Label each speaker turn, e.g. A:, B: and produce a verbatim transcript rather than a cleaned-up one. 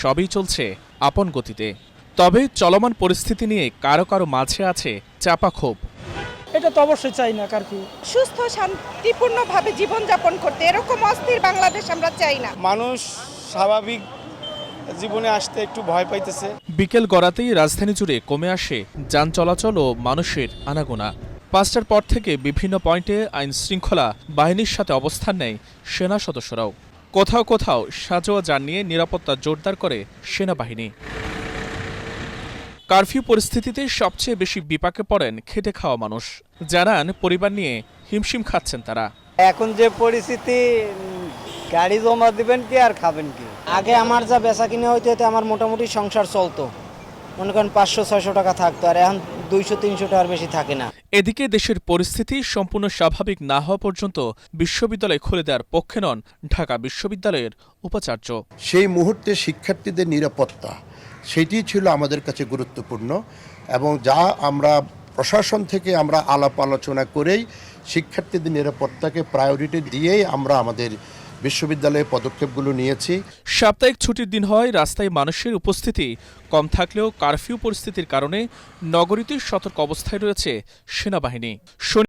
A: সবই চলছে আপন গতিতে। তবে চলমান পরিস্থিতি নিয়ে কারো কারো মাঝে আছে চাপা ক্ষোভ।
B: এটা তো অবশ্যই চাই না কারফিউ।
C: সুস্থ শান্তিপূর্ণভাবে জীবনযাপন করতে, এরকম অস্থির বাংলাদেশ আমরা চাই না।
D: মানুষ স্বাভাবিক জীবনে আসতে একটু ভয় পাইতেছে।
A: বিকেল গড়াতেই রাজধানী জুড়ে কমে আসে যান চলাচল ও মানুষের আনাগোনা। পাঁচটার পর থেকে বিভিন্ন পয়েন্টে আইন শৃঙ্খলা বাহিনীর সাথে অবস্থান নেয় সেনা সদস্যরাও। কোথাও কোথাও সাজোয়া যান নিয়ে নিরাপত্তা জোরদার করে সেনাবাহিনী। কারফিউ পরিস্থিতিতে সবচেয়ে বেশি বিপাকে পড়েন খেটে খাওয়া মানুষ। জানান পরিবার নিয়ে হিমশিম খাচ্ছেন তারা।
E: এখন যে পরিস্থিতি, গাড়ি জমা দিবেন কি আর খাবেন কি। আগে আমার যা বেচা কিনে হইতে হইতে আমার মোটামুটি সংসার চলতো, মনে করেন পাঁচশো ছয়শো টাকা থাকতো, আর এখন দুইশো তিনশো টাকার বেশি থাকে না।
A: এদিকে দেশের পরিস্থিতি সম্পূর্ণ স্বাভাবিক না হওয়া পর্যন্ত বিশ্ববিদ্যালয় খুলে দেওয়ার পক্ষে নন ঢাকা বিশ্ববিদ্যালয়ের উপাচার্য।
F: সেই মুহূর্তে শিক্ষার্থীদের নিরাপত্তা সেটি ছিল আমাদের কাছে গুরুত্বপূর্ণ, এবং যা আমরা প্রশাসন থেকে আমরা আলাপ আলোচনা করেই শিক্ষার্থীদের নিরাপত্তাকে প্রায়োরিটি দিয়েই আমরা আমাদের বিশ্ববিদ্যালয়ে পদক্ষেপগুলো নিয়েছি।
A: সাপ্তাহিক ছুটির দিন হয়, রাস্তায় মানুষের উপস্থিতি কম থাকলেও কারফিউ পরিস্থিতির কারণে নগরীতে সতর্ক অবস্থায় রয়েছে সেনাবাহিনী।